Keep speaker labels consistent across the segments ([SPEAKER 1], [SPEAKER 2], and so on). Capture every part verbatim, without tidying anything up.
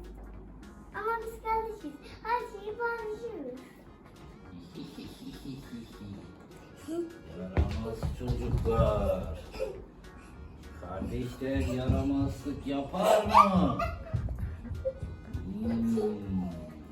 [SPEAKER 1] Ama biz kardeşiz. Her şeyi paylaşıyoruz.
[SPEAKER 2] Yaramaz çocuklar. Kardeşler yaramazlık yapar mı? Hmm.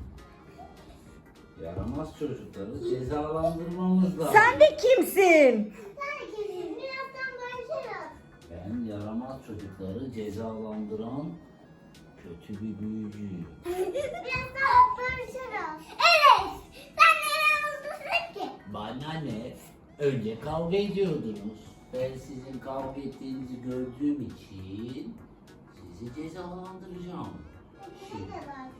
[SPEAKER 2] Yaramaz çocukları cezalandırmamız lazım.
[SPEAKER 3] Sen de kimsin?
[SPEAKER 1] Herkesin birazdan barışırız.
[SPEAKER 2] Ben yaramaz çocukları cezalandıran kötü bir büyücüyüm.
[SPEAKER 1] Birazdan barışırız. Evet. Sen neden mutlusun ki?
[SPEAKER 2] Bana ne? Önce kavga ediyordunuz. Ben sizin kavga ettiğinizi gördüğüm için sizi cezalandıracağım.
[SPEAKER 1] Biz de var.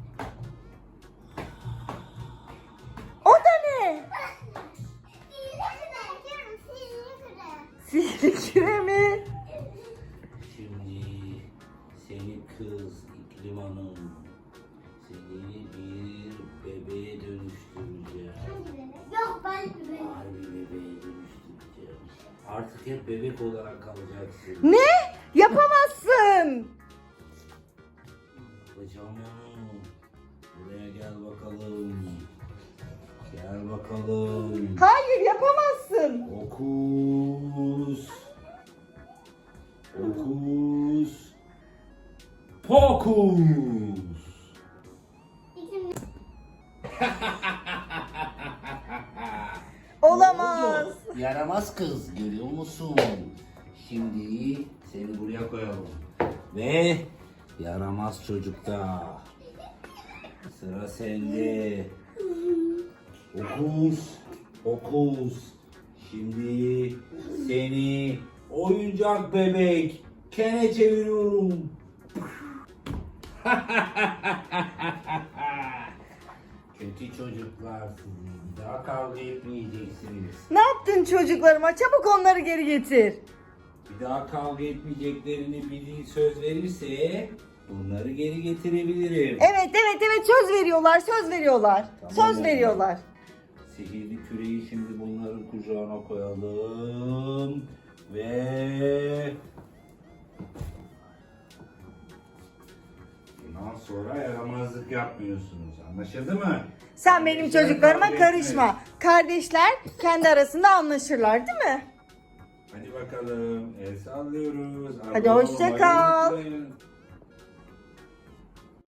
[SPEAKER 3] O da ne?
[SPEAKER 1] Sihirli küre. Diyorum sihirli küre.
[SPEAKER 3] Sihirli küre mi?
[SPEAKER 2] Şimdi seni kız İklim Hanım, seni bir bebeğe dönüştüreceğim.
[SPEAKER 1] Hangi bebek? Yok ben bebek.
[SPEAKER 2] Harbi bebeğe dönüştüreceğim. Artık hep bebek olarak kalacaksın.
[SPEAKER 3] Ne? Yapamazsın.
[SPEAKER 2] Yapacağım onu. Buraya gel bakalım. Gel bakalım.
[SPEAKER 3] Hayır, yapamazsın.
[SPEAKER 2] Okus. Okus. Pokus.
[SPEAKER 1] İklim
[SPEAKER 3] Olamaz.
[SPEAKER 2] Yaramaz kız, görüyor musun? Şimdi seni buraya koyalım. Ve yaramaz çocukta. Sıra sende. Okus. Okus. Şimdi seni oyuncak bebek kene çeviriyorum. Kötü çocuklar sizi. Bir daha kavga etmeyeceksiniz.
[SPEAKER 3] Ne yaptın çocuklarıma? Çabuk onları geri getir.
[SPEAKER 2] Bir daha kavga etmeyeceklerini bildiği söz verirse bunları geri getirebilirim.
[SPEAKER 3] Evet, evet, evet. Söz veriyorlar, söz veriyorlar.
[SPEAKER 2] Tamam,
[SPEAKER 3] Söz
[SPEAKER 2] evet.
[SPEAKER 3] veriyorlar.
[SPEAKER 2] Sihirli küreyi şimdi bunların kucağına koyalım. Ve... Bundan sonra yaramazlık yapmıyorsunuz. Anlaşıldı mı?
[SPEAKER 3] Sen benim
[SPEAKER 2] Kardeşler
[SPEAKER 3] çocuklarıma
[SPEAKER 2] kavga
[SPEAKER 3] karışma.
[SPEAKER 2] etmeyin.
[SPEAKER 3] Kardeşler kendi arasında anlaşırlar, değil mi?
[SPEAKER 2] Hadi bakalım. El sallıyoruz.
[SPEAKER 3] Hadi
[SPEAKER 2] Abone
[SPEAKER 3] hoşça
[SPEAKER 2] olmayı
[SPEAKER 3] kal.
[SPEAKER 2] unutmayın.